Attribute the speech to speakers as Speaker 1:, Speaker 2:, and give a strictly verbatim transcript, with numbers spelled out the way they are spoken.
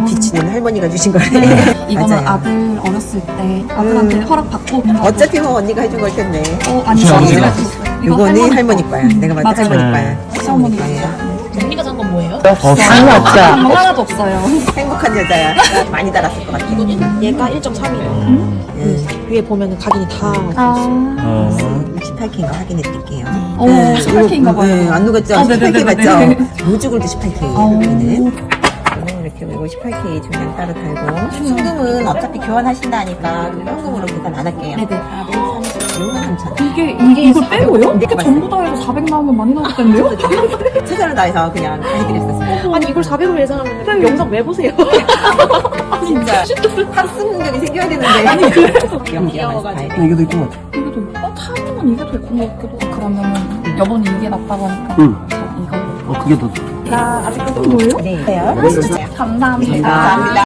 Speaker 1: 비치는 할머니가 주신 거래.
Speaker 2: 이거는
Speaker 1: 맞아요.
Speaker 2: 아들 어렸을 때 아들한테
Speaker 1: 음.
Speaker 2: 허락받고
Speaker 1: 어차피 뭐 언니가 해준 걸 텐데.
Speaker 2: 어, 아니
Speaker 3: 그쵸,
Speaker 2: 시어머니가
Speaker 3: 그쵸.
Speaker 2: 해줬어요. 이거
Speaker 1: 이거는
Speaker 2: 거.
Speaker 1: 할머니 거야. 내가 봤을 때
Speaker 2: 맞아요.
Speaker 1: 할머니 거야. 할머니
Speaker 2: 시어머니가
Speaker 1: 거예요.
Speaker 4: 언니가 산 건 뭐예요?
Speaker 3: 없어요.
Speaker 2: 뭐 하나도 없어요.
Speaker 1: 행복한 여자야. 많이 달았을 것 같아.
Speaker 4: 얘가 일 점 삼이에요.
Speaker 1: 음.
Speaker 4: 위에 보면은 각인이 다
Speaker 2: 아,
Speaker 3: 어.
Speaker 1: 십팔 케이인 거 확인해 드릴게요.
Speaker 2: 오, 십팔 케이인가 봐요.
Speaker 1: 네, 안 녹았죠?
Speaker 2: 아,
Speaker 1: 십팔 케이
Speaker 2: 네네네네.
Speaker 1: 맞죠? 무주골도 십팔 케이.
Speaker 2: 아,
Speaker 1: 여기는. 이렇게 이거 십팔 케이 중량 따로 달고. 순금은 어차피 교환하신다니까 현금으로 계산 안 할게요.
Speaker 2: 네네.
Speaker 1: 육만 삼천 원.
Speaker 2: 이게, 이게 이걸 빼고요?
Speaker 1: 네,
Speaker 2: 이거 전부 다 해서 사백 나오면 많이 나올 텐데요?
Speaker 1: 최선을 다해서 그냥 해드렸었어요.
Speaker 4: 아니 이걸 사백으로 예상하면 영상 왜 보세요?
Speaker 1: 진짜 학습 능력이 생겨야 되는데. 아니 그래서 귀여워가지고.
Speaker 3: 이게 더 이쁜 것 같아.
Speaker 2: 이게 더 예뻐? 어, 타면 이게 더 예쁜 것 같기도 하고. 그러면은 여보는 이게 낫다고 하니까
Speaker 3: 응.
Speaker 2: 저 이거.
Speaker 3: 어, 그게 더.
Speaker 2: 나 아직도 뭐예요?
Speaker 1: 네.
Speaker 2: 감사합니다.
Speaker 1: 감사합니다.